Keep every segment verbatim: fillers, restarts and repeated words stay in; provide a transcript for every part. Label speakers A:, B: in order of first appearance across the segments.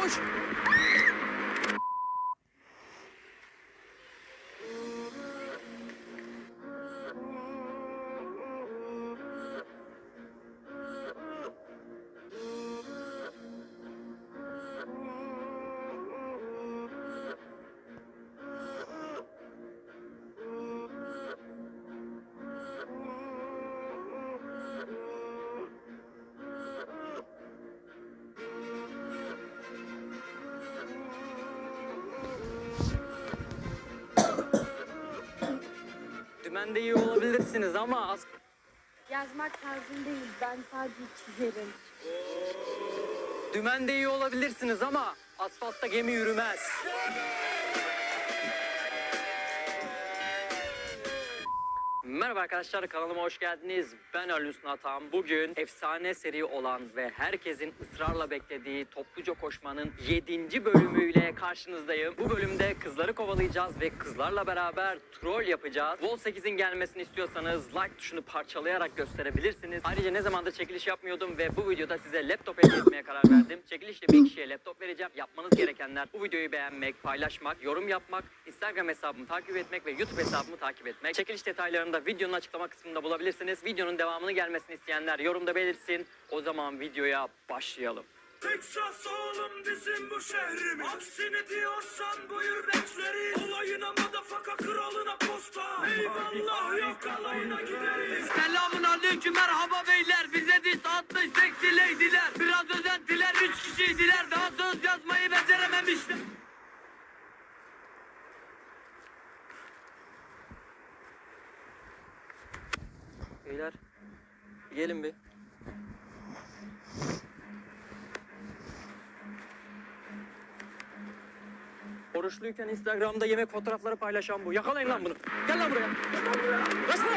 A: Koş. Dümende iyi olabilirsiniz ama az...
B: Yazmak tarzım değil, ben sadece çizerim.
A: Dümende iyi olabilirsiniz ama asfaltta gemi yürümez. Merhaba arkadaşlar, kanalıma hoş geldiniz. Ben Ali Atam. Bugün efsane seri olan ve herkesin ısrarla beklediği topluca koşmanın yedinci bölümüyle karşınızdayım. Bu bölümde kızları kovalayacağız ve kızlarla beraber troll yapacağız. Vol sekizin gelmesini istiyorsanız like tuşunu parçalayarak gösterebilirsiniz. Ayrıca ne zamandır çekiliş yapmıyordum ve bu videoda size laptop hediye etmeye karar verdim. Çekilişte bir kişiye laptop vereceğim. Yapmanız gerekenler bu videoyu beğenmek, paylaşmak, yorum yapmak, Instagram hesabımı takip etmek ve YouTube hesabımı takip etmek. Çekiliş detaylarını da videonun açıklama kısmında bulabilirsiniz. Videonun devamını gelmesini isteyenler yorumda belirtsin. O zaman videoya başlayalım.
C: Texas oğlum bizim bu şehrimiz. Aksini diyorsan buyur bekleri. Olayına madafaka kralına posta. Eyvallah yok alayına gideriz.
D: Selamun aleyküm, merhaba beyler. Bize diz atmış seksi leydiler. Biraz özentiler, üç kişiydiler. Daha söz yazmayı becerememişler.
A: Beyler, gelin bir. Oruçluyken Instagram'da yemek fotoğrafları paylaşan bu. Yakalayın lan bunu. Gel lan buraya. Gel lan buraya. Kaç lan.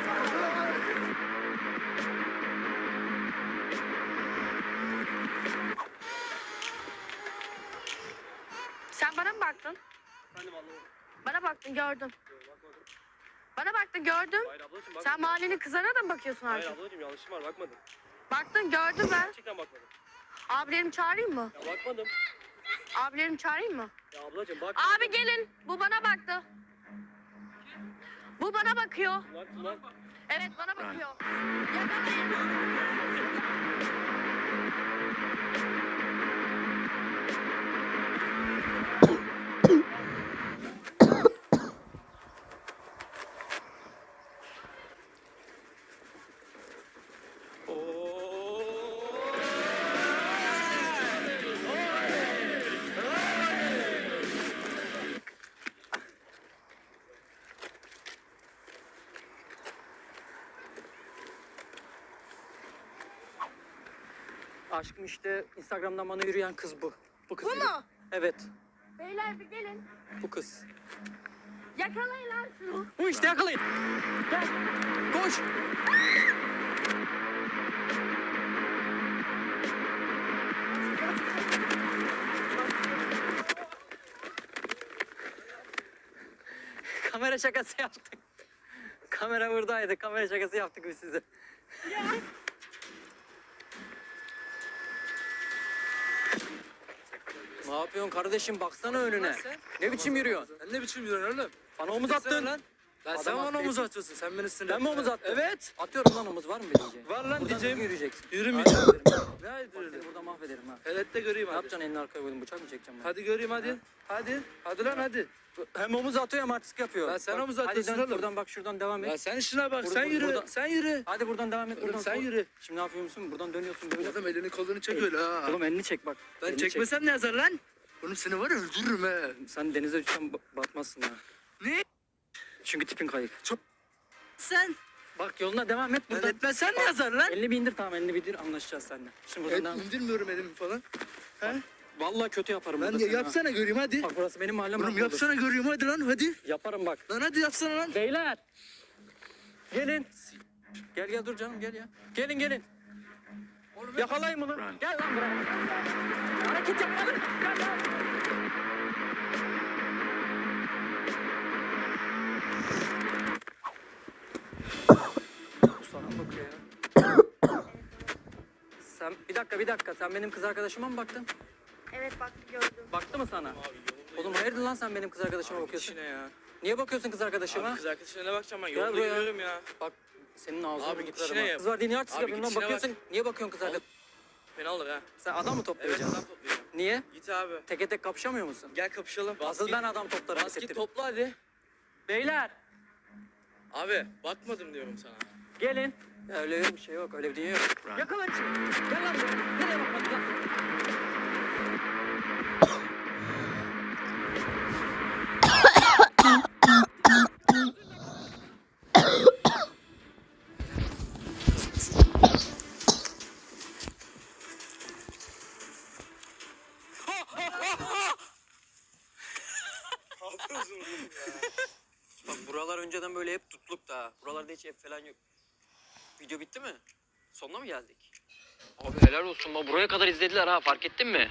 B: Sen bana mı baktın?
A: Efendim anlamadım.
B: Bana baktın, gördüm.
A: Bakmadım.
B: Bana baktın, gördüm.
A: Hayır ablacığım bakmadım.
B: Sen mahallenin kızlarına da mı bakıyorsun
A: Hayır
B: artık?
A: ablacığım yanlışım var bakmadım.
B: Baktın, gördüm ben.
A: Gerçekten bakmadım.
B: Abilerimi çağırayım mı?
A: Ya bakmadım.
B: Abilerimi çağırayım mı?
A: Ya ablacığım bak.
B: Abi gelin, bu bana baktı. Bu bana bakıyor.
A: Bak lan.
B: Evet, bana bakıyor. Yakalayın.
A: Aşkım işte Instagram'dan bana yürüyen kız bu. Bu kız.
B: Bu
A: yürü-
B: mu?
A: Evet.
B: Beyler bir gelin.
A: Bu kız.
B: Yakalayın lan şunu.
A: Bu işte yakalayın. Gel. Koş. Kamera şakası yaptık. Kamera buradaydı. Kamera şakası yaptık biz size. Ne yapıyorsun kardeşim? Baksana önüne. Ne biçim yürüyorsun?
E: Sen ne biçim yürüyorsun oğlum?
A: Bana omuz
E: Sen
A: attın.
E: lan. Lan
A: Adam
E: sen bana
A: hasta
E: omuz
A: ettin.
E: atıyorsun. Sen beni sinir
A: Ben mi omuz attım?
E: Evet.
A: Atıyorum lan omuz var mı bir diyeceğim?
E: Var lan
A: Buradan
E: diyeceğim.
A: düzgün yürüyeceksin.
E: Yürümeyeceğim.
A: Hadi.
E: Ne
A: Bak
E: yürüyorsun?
A: seni burada mahvederim ha.
E: Evet de göreyim
A: Ne
E: hadi.
A: yapacaksın elini arkaya koydun bıçak mı çekeceğim ben?
E: Hadi göreyim hadi. Hadi. Hadi lan hadi.
A: Hem omuz atıyor hem artistik yapıyor.
E: Lan sen
A: Bak,
E: omuz
A: hadi
E: atıyorsun
A: dön
E: oğlum.
A: buradan bak şuradan devam et.
E: Ya sen işine bak.
A: Bur-
E: sen
A: bur-
E: yürü.
A: burada-
E: Sen yürü.
A: Hadi buradan devam et.
E: Oğlum
A: Buradan
E: sen
A: sol-
E: yürü.
A: Şimdi ne yapıyor musun? Buradan dönüyorsun böyle.
E: Adam elini kolunu çek öyle ha.
A: Oğlum elini çek bak.
E: Ben
A: Elini çek.
E: çekmesem ne yazar lan? Oğlum seni var ya öldürürüm he.
A: Sen denize düşsen ba- batmazsın ha.
E: Ne?
A: Çünkü tipin kayık.
E: Sen.
A: Bak yoluna devam et
E: Ben
A: buradan.
E: etmezsen ne yazar lan?
A: Elini bir indir tamam elini bir indir anlaşacağız seninle. Şimdi buradan
E: Evet,
A: devam et.
E: indirmiyorum elimi falan. He?
A: Vallahi kötü yaparım
E: Lan
A: burada
E: ya,
A: seni ha.
E: yapsana göreyim hadi.
A: Bak burası benim mahallem.
E: Oğlum
A: bak
E: yapsana göreyim hadi lan hadi.
A: burası. Yaparım bak.
E: Lan hadi yapsana lan.
A: Beyler. Gelin. Gel gel dur canım gel ya. Gelin gelin. Yakalayın bunu. Gel lan buraya. Hareket yapma lan. Gel gel. Bu sana mı bakıyor ya? Sen bir dakika bir dakika sen benim kız arkadaşıma mı baktın?
B: Evet baktı gördüm.
A: Baktı mı sana?
F: Abi yolundayım.
A: Oğlum hayırdır lan sen benim kız arkadaşıma
F: Abi
A: bakıyorsun?
F: içine ya.
A: Niye bakıyorsun kız arkadaşıma?
F: Abi kız arkadaşına ne bakacağım ben?
A: Gel
F: Yolda
A: buraya.
F: yürüyorum ya.
A: Bak senin ağzını
F: Abi
A: bir
F: git işine
A: kırarım ha.
F: yap.
A: Kız var diye niye artist
F: Abi
A: yapıyorsun lan?
F: git işine
A: Bakıyorsun. Niye bakıyorsun kız arkadaşına?
F: Fena olur ha.
A: Sen adam mı
F: Evet
A: toplayacaksın?
F: adam toplayacağım.
A: Niye?
F: Git abi.
A: Teke tek kapışamıyor musun?
F: Gel kapışalım.
A: Asıl ben adam toplarım.
F: Bas git
A: hissettirip.
F: topla hadi.
A: Beyler
F: Abi bakmadım diyorum sana.
A: gelin. Ya öyle bir şey yok. Öyle bir dünya yok. Yakala şimdi. Gel lan buraya. Nereye bakmadın lan?
F: Ne yapıyorsun oğlum ya?
A: Bak buralar önceden böyle hep tutluk da. Buralarda hiç ev falan yok. Video bitti mi? Sonuna mı geldik? Abi helal olsun. Buraya kadar izlediler ha. Fark ettin mi?